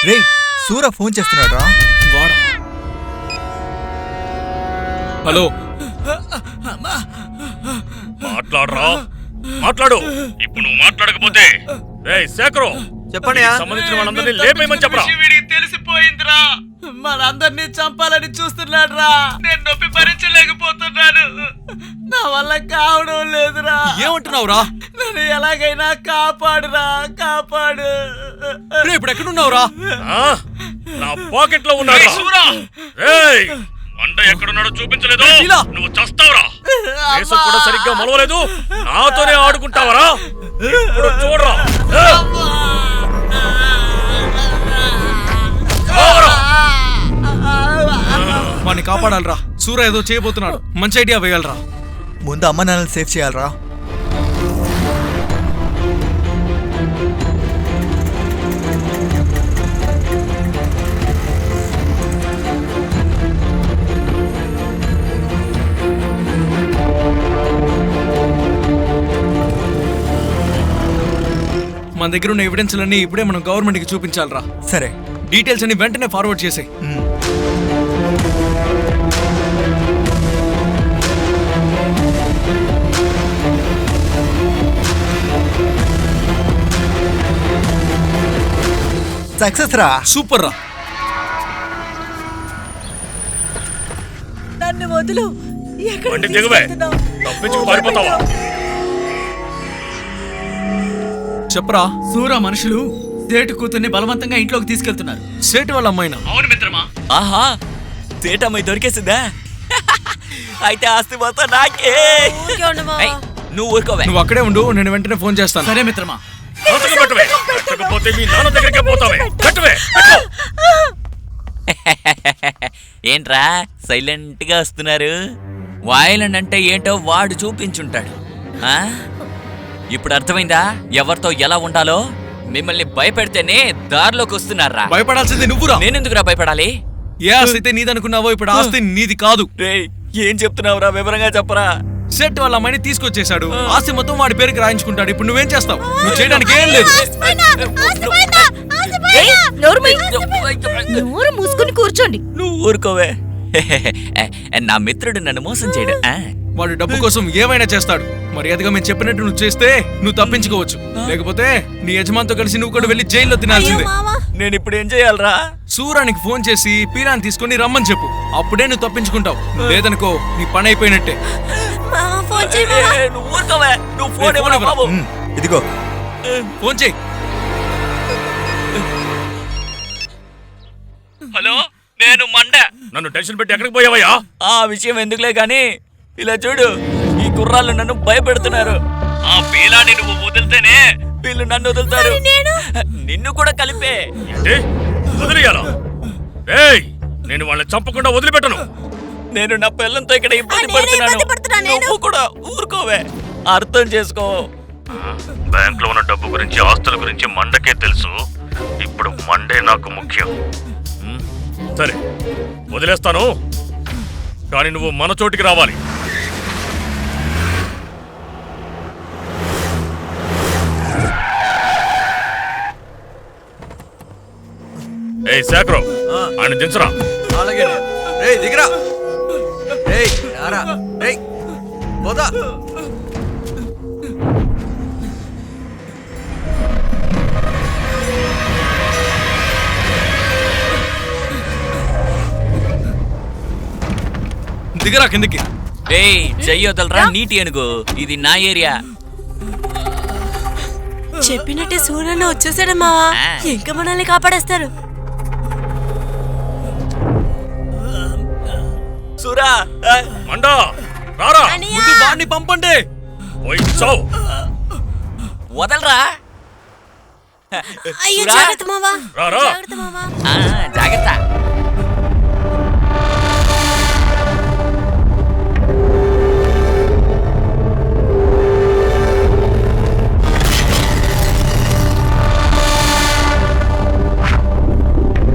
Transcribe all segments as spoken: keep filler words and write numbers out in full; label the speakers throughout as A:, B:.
A: రే సూర ఫోన్ చేస్తున్నాడు రా.
B: వాడా? హలో,
C: మాట్లాడరా, మాట్లాడు. ఇప్పుడు నువ్వు మాట్లాడకపోతే రేయ్ శేఖరు,
D: చెప్పండి.
C: సంబంధించిన వాళ్ళందరినీ లేపేయమని చెప్పరా.
E: వీడికి తెలిసిపోయిందిరా, మనందరినీ చంపాలని చూస్తున్నాడు రా. నేను నొప్పి భరించలేకపోతున్నాను, నా వల్ల కావడం లేదురా.
B: ఏమంటున్నావురా?
E: నన్ను ఎలాగైనా కాపాడురా, కాపాడు.
B: ఇప్పుడు ఎక్కడున్నావురా?
C: నా పాకెట్ లో ఉన్నాడు. రేయ్ మండ ఎక్కడున్నాడో చూపించలేదు, నువ్వు చస్తావురా. దేశం కూడా సరిగ్గా మొలవలేదు, నాతోనే ఆడుకుంటావరా? ఇప్పుడు చూడరా.
B: వాడిని కాపాడాలరా. సూర ఏదో చేయబోతున్నాడు, మంచి ఐడియా వేయాలరా.
A: ముందు అమ్మ నాన్నని సేఫ్ చేయాలరా.
B: మన దగ్గర ఉన్న ఎవిడెన్స్లన్నీ ఇప్పుడే మనం గవర్నమెంట్ కి చూపించాలరా.
A: సరే,
B: డీటెయిల్స్ అన్ని వెంటనే ఫార్వర్డ్ చేసాయి.
A: సక్సెస్ రా.
B: సూపర్ రా.
F: నన్ను వదులు.
C: బండి దిగువే, తప్పించుకు పారిపోతావా?
B: చెప్పరా.
E: సూరా మనుషులు సేటు కూతుర్ని బలవంతంగా ఇంట్లోకి తీసుకెళ్తున్నారు.
B: సేటు వాళ్ళ అమ్మాయినా?
E: అవును మిత్రమా.
D: ఆహా, సేటమ్మాయి దొరికేసిందా? అయితే ఆస్తి మొత్తం నాకే. ఏయ్, నువ్వు ఊరుకోవే.
B: నువ్వు అక్కడే ఉండు, నేను వెంటనే ఫోన్ చేస్తాను.
E: సరే మిత్రమా.
C: పెట్టకపోతే మీ నాన్న దగ్గరికి పోతావే. పెట్టవే.
D: ఏంట్రా సైలెంట్ గా వస్తున్నారు? వాయిలెంట్ అంటే ఏంటో వాడు చూపించుంటాడు. ఆ ఇప్పుడు అర్థమైందా ఎవరితో ఎలా ఉండాలో? మిమ్మల్ని భయపెడితేనే దారిలోకి వస్తున్నారా?
B: భయపడాల్సింది నువ్వురా.
D: నేనెందుకురా భయపడాలి?
B: ఏ ఆస్తి అయితే నీదనుకున్నావో ఇప్పుడు ఆస్తి నీది కాదు.
D: రేయ్, ఏం చెప్తున్నావురా? వివరంగా చెప్పరా.
B: సెట్ వాళ్ళ అమ్మాయిని తీసుకొచ్చేశాడు, ఆస్తి మొత్తం వాడి పేరుకి రాయించుకుంటాడు. ఇప్పుడు నువ్వేం చేస్తావు? నువ్వు చేయడానికి ఏం లేదు.
F: నోరు మూసుకుని కూర్చోండి.
D: నువ్వు ఊరుకోవే. నా మిత్రుడు నన్ను మోసం చేయడు.
B: వాడు డబ్బు కోసం ఏమైనా చేస్తాడు. మర్యాదగా మేము చెప్పినట్టు నువ్వు చేస్తే నువ్వు తప్పించుకోవచ్చు, లేకపోతే నీ యజమానితో కలిసి నువ్వు కూడా వెళ్ళి జైల్లో తినాల్సిందే.
D: నేను ఇప్పుడు ఏం చేయాలరా?
B: సూరానికి ఫోన్ చేసి పీరాన్ని తీసుకుని రమ్మని చెప్పు, అప్పుడే నువ్వు తప్పించుకుంటావు. లేదనుకో నీ పని అయిపోయినట్టే.
D: నువ్వు ఊరుకోవే. నువ్వు ఫోన్ ఇవ్వరా బాబు?
A: ఇదిగో
B: ఫోన్ చేయి.
D: హలో, నేను మండ.
C: నన్ను టెన్షన్ పెట్టి ఎక్కడికి పోయావయ్యా?
D: ఆ విషయం ఎందుకులే గాని ఇలా చూడు, ఈ కుర్రాళ్ళు నన్ను భయపెడుతున్నారు. ఆ పీలాని నువ్వు వదిలితేనే వీళ్ళు నన్ను వదులుతారు. నిన్ను కూడా కలిపే.
C: ఏంటి వదిలేయాలా? ఏయ్, నేను వాళ్ళని చంపకుండా వదిలిపెట్టను.
D: నేను నా పిల్లలతో ఇక్కడ ఇబ్బంది పడుతున్నాను. నువ్వు కూడా ఊరుకోవే. అర్థం చేసుకో.
C: బ్యాంక్ లో ఉన్న డబ్బు గురించి, ఆస్తుల గురించి మండకే తెలుసు. ఇప్పుడు మండే నాకు ముఖ్యం. సరే వదిలేస్తాను, కానీ నువ్వు మన చోటికి రావాలి. ఏ శేఖరు, ఆయన దించరా.
D: అలాగే.
A: రేయ్ దిగరా. రేయ్ రారా. రేయ్ పోదా.
B: దిగరా కిందకి.
D: ఏయ్, చెయ్యొదలరా నీటి ఏనుగు, ఇది నా ఏరియా.
F: చెప్పినట్టే సూర్యన్న వచ్చేసాడు మావా. ఇంకా మనల్ని కాపాడేస్తారు.
D: సూరా,
C: మండా రారా.
B: ముందు వాడిని పంపండి.
C: పోయి చావు.
D: వదలరా.
F: అయ్యో జాగ్రత్త మావా.
C: రారా.
F: జాగ్రత్త మావా.
D: జాగ్రత్త.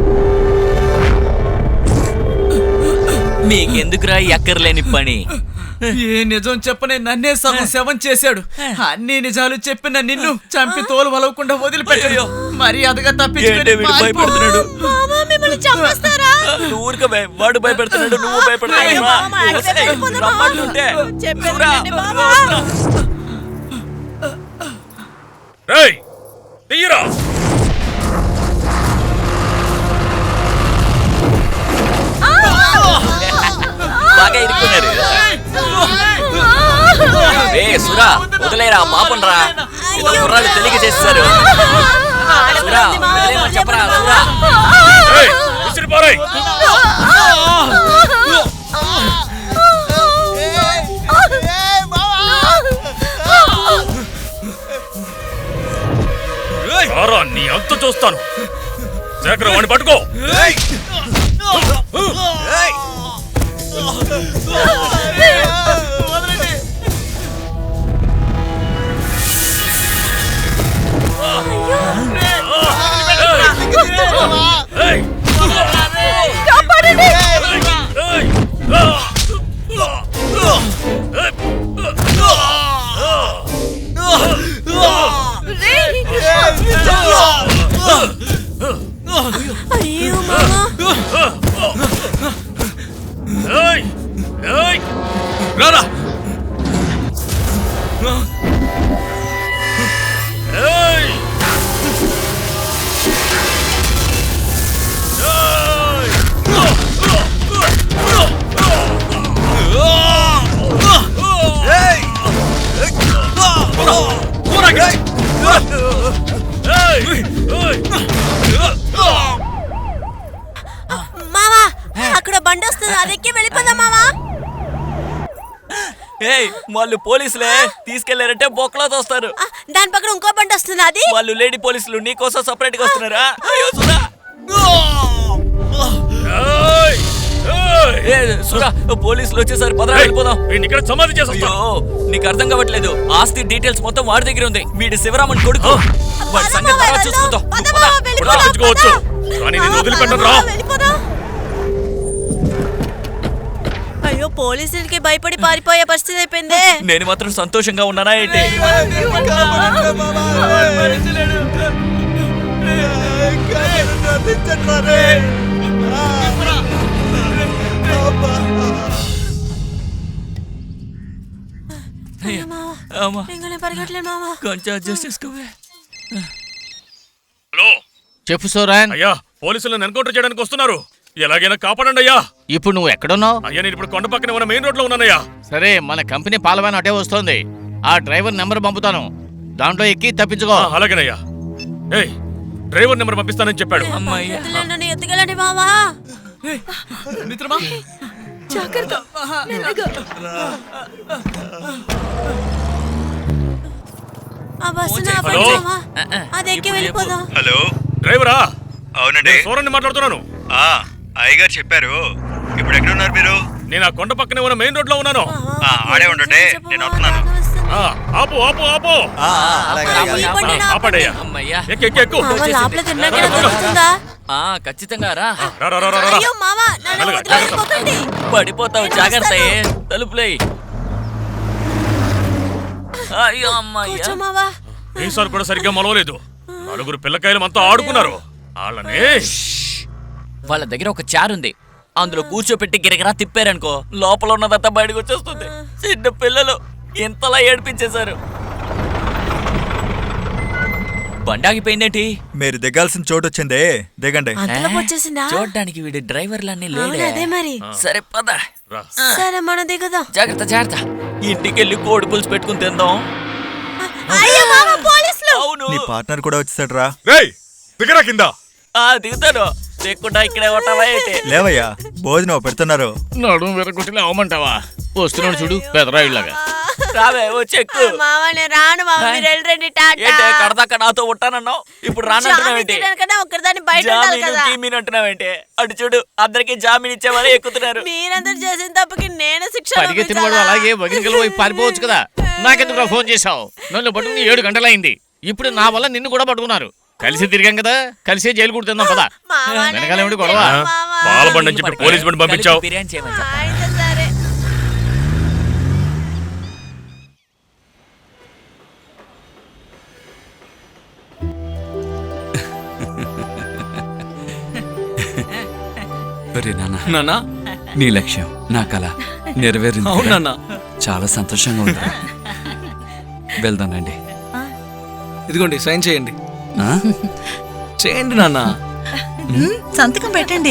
D: మీకెందుకురా ఎక్కర్లేని పని?
E: ఏ నిజం చెప్పనే నన్నే సగం శవం చేశాడు. అన్ని నిజాలు చెప్పిన నిన్ను చంపి తోలు వలవకుండా వదిలిపెట్టాడు. మర్యాదగా
D: ఏంటి
E: తప్పించుకొని
D: వీడు
E: పారిపో.
D: భయపెడుతున్నాడు?
F: మామా మిమ్మల్ని చంపేస్తారా?
D: నువ్వు ఊరికే భయ- వాడు భయపెడుతున్నాడు, నువ్వు
F: అయ్యో,
D: భయపెడుతున్నావు.
F: మామ, అడిగితే వెళ్ళిపోదాం, మామ.
D: రమ్మంటుంటే.
F: చెప్పేది
D: చూరా.
F: వినండి, మామ.
C: రేయ్ తీయరా.
D: బాగా ఇరుక్కున్నారు. ఏ సురా, వదిలేరా పాపం రా. ఏదో కుర్రాళ్ళు తెలియక చేస్తారు. సురా, వదిలేమని చెప్పరా సురా.
C: ఏయ్, విసిరి పారేయ్. రారా, నీ అంత చూస్తాను. శేఖర్ వాడిని పట్టుకో. ఏయ్. ఏయ్.
F: అయ్యో మామా,
C: ఏయ్. ఏయ్.
B: రారా.
C: ఏయ్.
F: మామా అక్కడ బండి వస్తుంది, అదెక్కి వెళ్ళిపోదాం మామా.
D: ఏయ్, వాళ్ళు పోలీసులే తీసుకెళ్లారంటే బొక్కలో తోస్తారు.
F: ఆ, దాని పక్కన ఇంకో బండి వస్తుంది, అది
D: వాళ్ళు లేడీ పోలీసులు నీకోసం సపరేట్ గా వస్తున్నారా? అయ్యో సురా.
C: ఏయ్. ఏయ్.
D: ఏ సురా, పోలీసులు వచ్చేసరి పదరా వెళ్ళిపోదాం.
C: వీడిని ఇక్కడ సమాధి చేసేస్తా.
D: అయ్యో, నీకు అర్థం కావట్లేదు. ఆస్తి డీటెయిల్స్ మొత్తం వాడి దగ్గర ఉంది. వీడి శివరామన్ కొడుకు. వాడి సంగతి తర్వాత చూసుకుందాం.
F: పద
D: పద,
F: మామ,
D: పద.
F: వెళ్ళిపోదాం,
C: తప్పించుకోవచ్చు.
F: పద.
C: కానీ నిన్ను
F: ఆ,
C: వదిలిపెట్టను
F: పద,
C: రా.
F: వెళ్ళిపోదాం. అయ్యో, పోలీసులకి భయపడి పారిపోయే పరిస్థితి అయిపోయిందే.
D: నేను మాత్రం సంతోషంగా ఉన్నానా ఏంటి? అమ్మా,
F: ఇంకా నేను పరిగెట్టలేను మామా.
D: కొంచెం అడ్జస్ట్ చేసుకోవే.
C: హలో.
G: చెప్పు సోరాన్.
C: అయ్యా, పోలీసులను ఎన్కౌంటర్ చేయడానికి వస్తున్నారు. ఎలాగైనా కాపాడండి అయ్యా.
G: ఇప్పుడు నువ్వు ఎక్కడున్నావు?
C: అయ్యా, నేను ఇప్పుడు కొండ పక్కన ఉన్న మెయిన్ రోడ్ లో ఉన్నానయ్యా.
G: సరే, మన కంపెనీ పాలవాన్ అటే వస్తోంది. ఆ డ్రైవర్ నెంబర్ పంపుతాను, దాంట్లో ఎక్కి తప్పించుకో.
C: ఆ, అలాగేనయ్యా. ఏయ్, డ్రైవర్ నెంబర్ పంపిస్తానని చెప్పాడు.
D: అమ్మయ్యా.
F: నన్ను ఎత్తుకెళ్ళండి మామా.
E: మిత్రమా,
F: జాగ్రత్త. మెల్లగా. ఆ బస్సుని ఆపండి
C: హలో?
F: మామా. అది ఎక్కి వెళ్ళిపోదాం.
H: హలో,
C: డ్రైవరా,
H: అవునండి.
C: సూరన్ని మాట్లాడుతున్నాను.
H: ఆ అయ్యగారు చెప్పారు. ఇప్పుడు ఎక్కడ ఉన్నారు మీరు?
C: నేను ఆ కొండ పక్కనే ఉన్న మెయిన్ రోడ్ లో ఉన్నాను.
H: ఆ, ఆడే ఉండండి, నేను వస్తున్నాను.
C: ఆ, ఆపు ఆపు ఆపు.
A: ఆ, అలాగే, అలాగే, అలాగే.
F: ఆపండి,
C: ఆ, ఆపండయ్యా.
D: అమ్మయ్యా.
C: ఎక్కు ఎక్కు ఎక్కు.
F: మామ లోపలికి తిన్నాక తెలుస్తుందా?
D: ఆ, ఖచ్చితంగా రా.
C: రా రా రా రా రా.
F: అయ్యో మామ, నన్ను
C: మెల్లగా,
F: వదిలిపోకండి.
D: పడిపోతావు,
F: నేను
D: జాగ్రత్త.
F: వస్తాను.
D: తలుపులే. అయ్యో అమ్మయ్యా.
F: కూర్చో మావా.
C: ఈసారి కూడా సరిగ్గా మొలవలేదు. నలుగురు పిల్లకాయలు మనతో ఆడుకున్నారు. వాళ్ళని
D: వాళ్ళ దగ్గర ఒక చార్ ఉంది, అందులో కూర్చోపెట్టి గిరగిరా తిప్పారనుకో, లోపల ఉన్నదంతా బయటకు వచ్చేస్తుంది. చిన్న పిల్లలు ఇంతలా ఏడిపించేశారు. బండి ఆగిపోయిందేంటి?
A: మీరు దిగాల్సిన చోటు వచ్చిందే, దిగండి.
F: అంతలోకి వచ్చేసిందా?
D: చూడడానికి వీడి డ్రైవర్లన్నీ
F: అవును,
D: లేడే.
F: అదే మరి.
D: సరే పద.
C: రా.
F: సరే మన దిగుదాం.
D: జాగ్రత్త జాగ్రత్త. ఇంటికెళ్ళి కోడి పులుసు పెట్టుకుని తిందాం.
F: అయ్యో మామ, పోలీసులు.
D: అవును.
A: నీ పార్ట్నర్ కూడా వచ్చేసాడు రా.
C: రేయ్, దిగరా కింద.
D: ఆ దిగుతాను. లేకుండా ఇక్కడే ఉంటావా ఏంటి?
A: లేవయ్యా, భోజనం పెడుతున్నారు.
G: నడుము విరగొట్టిన అవమంటావా? వస్తున్నాడు చూడు, పెదరాయిలాగా.
D: రావే వచ్చెక్కు.
F: మామ నేను రాను మామ, మీరు వెళ్ళండి. టాటా.
D: ఏంటే కడదాకా నాతో ఉంటానన్నావు, ఇప్పుడు రానంటున్నావేంటి?
F: జామీన్ ఒక్కరిదాన్ని బయట ఉండాలి
D: జామీను
F: కదా.
D: గీమీను అంటున్నావేంటి? అటు చూడు, అందరికి జామీన్ ఇచ్చేవారే ఎక్కుతున్నారు.
F: మీరందరూ చేసిన తప్పుకి నేను శిక్ష
G: పరిగెత్తిన వాడు అలాగే వగిలికల వైపు పారిపోవచ్చు కదా. నాకెందుకు ఫోన్ చేశావు? నన్ను పట్టుకుని ఏడు గంటలైంది. ఇప్పుడు నా వల్ల నిన్ను కూడా పట్టుకున్నారు. కలిసి తిరిగాం కదా, కలిసే జైలు కుడుతుందాం పదా. వెనకాల ఏమిటి గొడవ?
C: పాల బండి అని చెప్పి పోలీస్ బండి పంపించావు.
D: బిర్యానీ చేయమని చెప్పు.
F: అయితే సరే.
I: ఒరే నాన్న,
B: నానా
I: నీ లక్ష్యం నా కళ నెరవేరింది.
B: అవును నాన్న.
I: చాలా సంతోషంగా ఉంది. వెళ్దానండి.
B: ఇదిగోండి సైన్ చేయండి.
I: ఆ?
B: చేయండి నాన్న.
F: సంతకం పెట్టండి.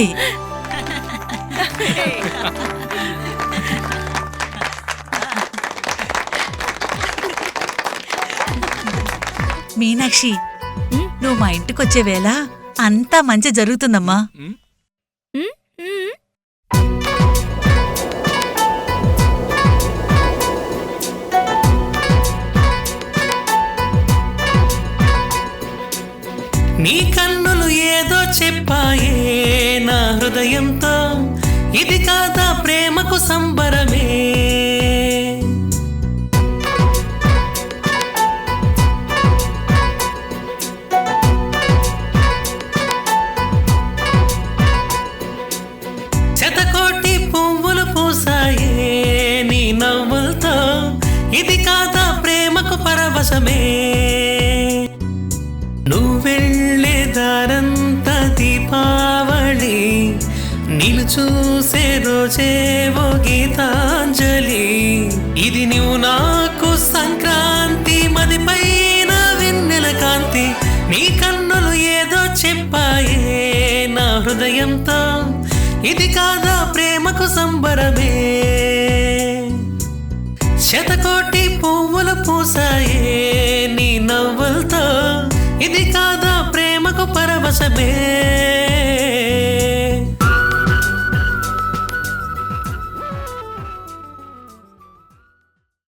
F: మీనాక్షి, నువ్వు మా ఇంటికి వచ్చే వేళ అంతా మంచి జరుగుతుందమ్మా.
J: నీ కన్నులు ఏదో చెప్పాయే నా హృదయంతో, ఇది కాదా ప్రేమకు సంబరమే. శతకోటి పువ్వులు పూసాయే నీ నవ్వులతో, ఇది కాదా ప్రేమకు పరవశమే. నువ్వెళ్ళే దారంతా దీపావళి, నిలు చూసే రోజేవో గీతాంజలి. ఇది నువ్వు నాకు సంక్రాంతి, మది పైన వెన్నెల కాంతి. నీ కన్నులు ఏదో చెప్పాయే నా హృదయంతో, ఇది కాదా ప్రేమకు సంబరమే. శతకోటి పువ్వులు పూసాయే నీ నవ్వులతో, ఇది కాదా ప్రేమకు పరవశమే.